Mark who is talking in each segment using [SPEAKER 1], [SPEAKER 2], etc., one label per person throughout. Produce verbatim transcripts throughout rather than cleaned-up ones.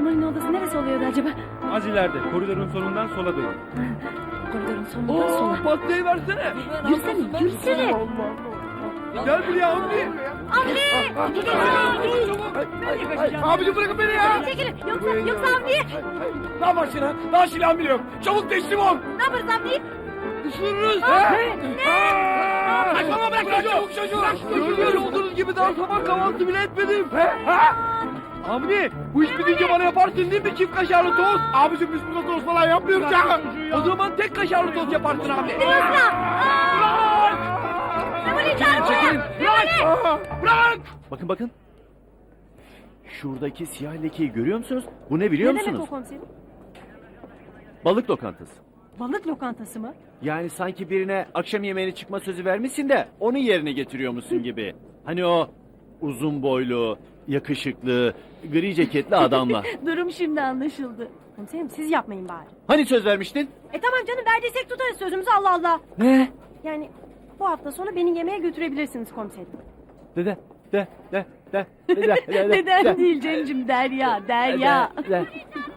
[SPEAKER 1] Memoli'nin odası neresi oluyordu acaba?
[SPEAKER 2] Az ileride koridorun sonundan sola dön.
[SPEAKER 1] Koridorun sonundan sola.
[SPEAKER 2] Pastayı versene.
[SPEAKER 1] Yürüsene, yürüsene.
[SPEAKER 2] Gel buraya Avni.
[SPEAKER 1] Avni!
[SPEAKER 2] Abicim bırakın beni ya.
[SPEAKER 1] Çekilin, yoksa, yoksa Avni!
[SPEAKER 2] Ne yaparsın ha? Daha silahım bile yok. Çabuk teslim ol.
[SPEAKER 1] Ne yaparız Avni?
[SPEAKER 2] Isırırız. Kaçmama bırak çocuğu. Çabuk çocuğu. Görmüş olduğunuz gibi daha sabah kahvaltı bile etmedim. Avni bu iş bitince bana yaparsın değil mi çift kaşarlı tost? Abicim biz burada tost falan yapmıyoruz ya. O zaman tek kaşarlı tost yaparsın abi.
[SPEAKER 1] Bırak! Memoli çağır buraya! Memoli!
[SPEAKER 2] Bırak!
[SPEAKER 3] Bakın bakın. Şuradaki siyah lekeyi görüyor musunuz? Bu ne biliyor
[SPEAKER 1] Ne demek o
[SPEAKER 3] musunuz?
[SPEAKER 1] komiserim?
[SPEAKER 3] Balık lokantası.
[SPEAKER 1] Balık lokantası mı?
[SPEAKER 3] Yani sanki birine akşam yemeğine çıkma sözü vermişsin de onun yerine getiriyormuşsun gibi. Hani o uzun boylu, yakışıklı, gri ceketli adamla.
[SPEAKER 1] Durum şimdi anlaşıldı. Komiserim siz yapmayın bari.
[SPEAKER 3] Hani söz vermiştin?
[SPEAKER 1] E tamam canım verdiysek tutarız sözümüzü Allah Allah.
[SPEAKER 3] Ne?
[SPEAKER 1] Yani bu hafta sonu beni yemeğe götürebilirsiniz komiserim.
[SPEAKER 3] Dede, de, de, de, de, de, de, de,
[SPEAKER 1] Neden değil Cem'cim Derya, Derya.
[SPEAKER 3] de, de.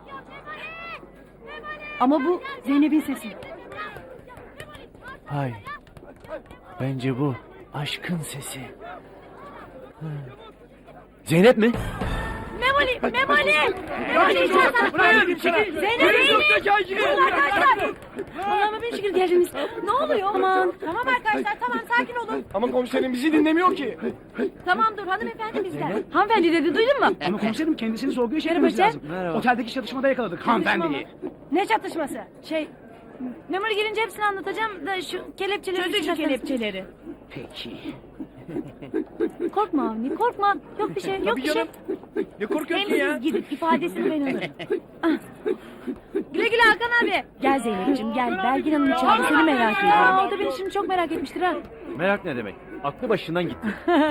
[SPEAKER 1] Ama bu Zeynep'in sesi.
[SPEAKER 3] Hayır. Bence bu aşkın sesi. Hı. Zeynep mi?
[SPEAKER 1] Memoli, Memoli! Memoli içeriden! Zeynep, Zeynep! Durun arkadaşlar! Allah'ıma bin şükür geldiniz. Ne oluyor? Aman. Tamam arkadaşlar, tamam sakin olun.
[SPEAKER 2] Ama komiserim bizi dinlemiyor ki.
[SPEAKER 1] Tamam dur, hanımefendi bizden. Hanımefendi dedi, duydun mu?
[SPEAKER 4] Ama komiserim kendisini sorguya
[SPEAKER 1] Merhaba
[SPEAKER 4] çekmemiz
[SPEAKER 1] Cem.
[SPEAKER 4] lazım.
[SPEAKER 3] Merhaba.
[SPEAKER 4] Oteldeki çatışmada yakaladık hanımefendiyi.
[SPEAKER 1] Ne çatışması? Şey, Memoli gelince hepsini anlatacağım da şu kelepçeleri... Çözün şu kelepçeleri.
[SPEAKER 4] Peki.
[SPEAKER 1] Korkma Avni, korkma. Yok bir şey, yok bir şey.
[SPEAKER 2] Ne korkuyorsun
[SPEAKER 1] Hem
[SPEAKER 2] ya?
[SPEAKER 1] siz gidin, ifadesini ben alırım. Ah. Güle güle Hakan abi. Gel Zeynep'ciğim gel. Belgin Hanım içeride seni merak ediyor. Aa, o da beni şimdi çok merak etmiştir ha.
[SPEAKER 3] Merak ne demek? Aklı başından gitti.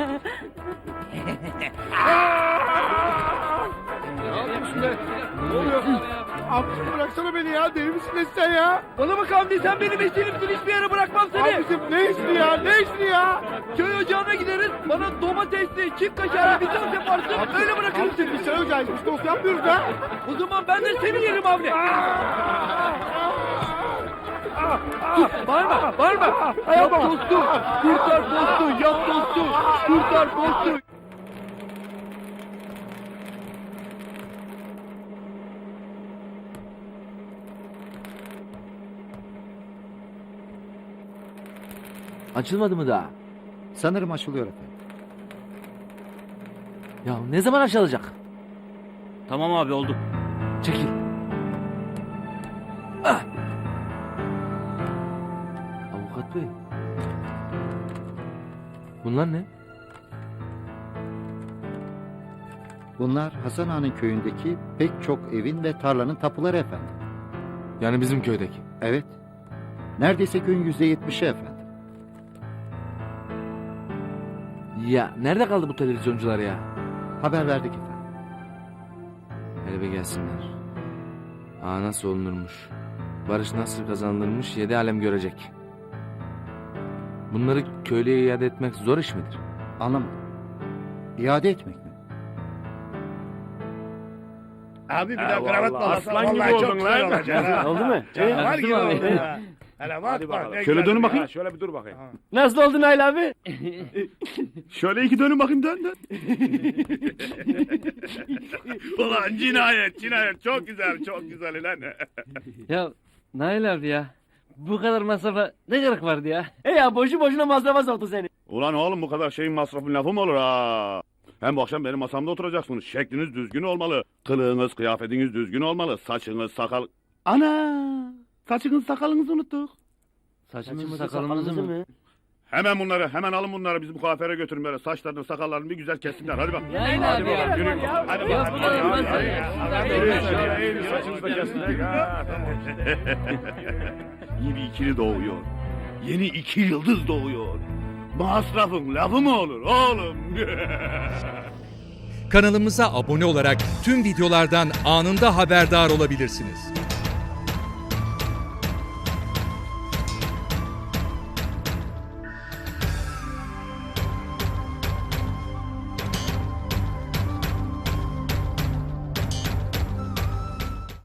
[SPEAKER 2] Ne yapıyorsun be? Ne oluyor? Abicim bıraksana beni ya. Deli misin ne sen ya? Bana bak Hamdi sen benim eşlerimsin. Hiçbir yere bırakmam seni. Abicim ne işini ya? Ne işini ya? Köy ocağına gideriz. Bana domatesli, çift kaşarlı bir tost yaparsın. Öyle bırakırım seni. Biz köy ocağıyız. Biz tost yapmıyoruz ha. O zaman ben de seni yerim Hamdi. Bağırma, bağırma. Yap tostu. Kurtar tostu. Yap tostu. Kurtar tostu.
[SPEAKER 3] Açılmadı mı daha?
[SPEAKER 5] Sanırım açılıyor efendim.
[SPEAKER 3] Ya ne zaman açılacak?
[SPEAKER 6] Tamam abi oldu.
[SPEAKER 3] Çekil. Ah! Avukat bey. Bunlar ne?
[SPEAKER 5] Bunlar Hasan Ağa'nın köyündeki pek çok evin ve tarlanın tapuları efendim.
[SPEAKER 3] Yani bizim köydeki.
[SPEAKER 5] Evet. Neredeyse köyün yüzde yetmişi efendim.
[SPEAKER 3] Ya nerede kaldı bu televizyoncular ya?
[SPEAKER 5] Haber verdik efendim.
[SPEAKER 3] Hele bir gelsinler. Aa nasıl olunurmuş? Barış nasıl kazanılırmış yedi alem görecek. Bunları köylüye iade etmek zor iş midir?
[SPEAKER 5] Anlamadım. İade etmek mi?
[SPEAKER 7] Abi bir daha kravat bağlasan
[SPEAKER 2] aslan gibi
[SPEAKER 7] vallahi çok
[SPEAKER 2] oldun
[SPEAKER 7] güzel
[SPEAKER 2] lan.
[SPEAKER 7] olacak ha.
[SPEAKER 3] Oldu mu?
[SPEAKER 7] Canavar gibi oldun ha. Hele bak
[SPEAKER 2] Hadi
[SPEAKER 7] bak.
[SPEAKER 2] bakalım.
[SPEAKER 7] ne
[SPEAKER 2] Şöyle
[SPEAKER 7] güzel
[SPEAKER 2] dönün
[SPEAKER 7] bir-
[SPEAKER 2] bakayım.
[SPEAKER 7] ha,
[SPEAKER 2] Şöyle bir dur bakayım.
[SPEAKER 3] Nasıl oldu Nail abi?
[SPEAKER 2] Şöyle iki dönün bakayım dön dön.
[SPEAKER 7] Ulan cinayet cinayet çok güzel çok güzel lan.
[SPEAKER 3] Ya Nail abi ya. Bu kadar masrafa ne gerek vardı ya? E ya boşu boşuna masrafa soktu seni.
[SPEAKER 7] Ulan oğlum bu kadar şeyin masrafın lafı mı olur ha? Hem bu akşam benim masamda oturacaksınız. Şekliniz düzgün olmalı. Kılığınız, kıyafetiniz düzgün olmalı. Saçınız, sakal... Ana! Saçınız, sakalınızı unuttuk.
[SPEAKER 3] Saçımızı sakalımızı mı?
[SPEAKER 7] Hemen bunları, hemen alın bunları. Biz bu kuaföre götürün böyle. Saçlarını, sakallarını bir güzel kessinler. Hadi bak.
[SPEAKER 3] Nail
[SPEAKER 7] Hadi
[SPEAKER 3] abi
[SPEAKER 7] bakalım,
[SPEAKER 3] ya.
[SPEAKER 7] yürüyün. Hadi
[SPEAKER 3] Ya
[SPEAKER 7] bakalım,
[SPEAKER 3] bu kadar
[SPEAKER 7] hadi,
[SPEAKER 3] masraf
[SPEAKER 7] hadi,
[SPEAKER 3] ya.
[SPEAKER 7] hadi.
[SPEAKER 3] Yürü,
[SPEAKER 7] Yürüyün,
[SPEAKER 3] yürü,
[SPEAKER 7] yürüyün,
[SPEAKER 3] yürü,
[SPEAKER 7] saçınızı da
[SPEAKER 3] yürü.
[SPEAKER 7] kessinler. Ha, tamam. Yeni ikili doğuyor. Yeni iki yıldız doğuyor. Masrafın lafı mı olur oğlum?
[SPEAKER 8] Kanalımıza abone olarak tüm videolardan anında haberdar olabilirsiniz.